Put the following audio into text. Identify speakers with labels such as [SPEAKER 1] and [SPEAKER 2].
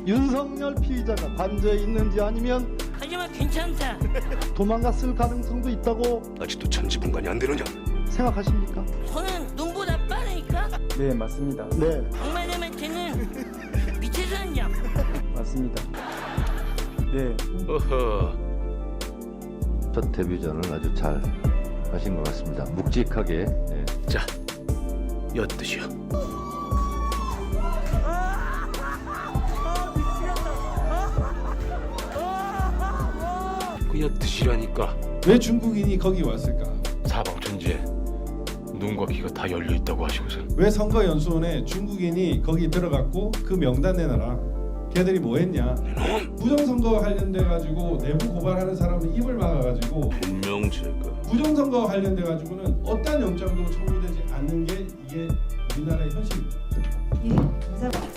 [SPEAKER 1] 윤석열 피의자가 관저에 있는지 아니면
[SPEAKER 2] 하지만 괜찮다.
[SPEAKER 1] 도망갔을 가능성도 있다고
[SPEAKER 3] 아직도 천지분간이 안 되느냐?
[SPEAKER 1] 생각하십니까?
[SPEAKER 2] 저는 눈보다 빠르니까
[SPEAKER 4] 네, 맞습니다.
[SPEAKER 1] 네.
[SPEAKER 2] 악마님한테는 밑에서 한 장.
[SPEAKER 4] 맞습니다. 네.
[SPEAKER 3] 어허.
[SPEAKER 5] 첫 데뷔전을 아주 잘 하신 것 같습니다. 묵직하게. 네.
[SPEAKER 3] 자, 엿드시오. 그 엿드시라니까.
[SPEAKER 6] 왜 중국인이 거기 왔을까?
[SPEAKER 3] 사방천지에 눈과 귀가 다 열려 있다고 하시고서
[SPEAKER 6] 왜 선거연수원에 중국인이 거기 들어갔고 그 명단 내놔라. 걔들이 뭐 했냐? 부정선거 관련돼 가지고 내부 고발하는 사람은 입을 막아가지고
[SPEAKER 3] 분명 제가
[SPEAKER 6] 부정선거 관련돼 가지고는 어떠한 영장도 청구되지 않는 게 이게 우리나라의 현실입니다.
[SPEAKER 7] 예, 감사합니다.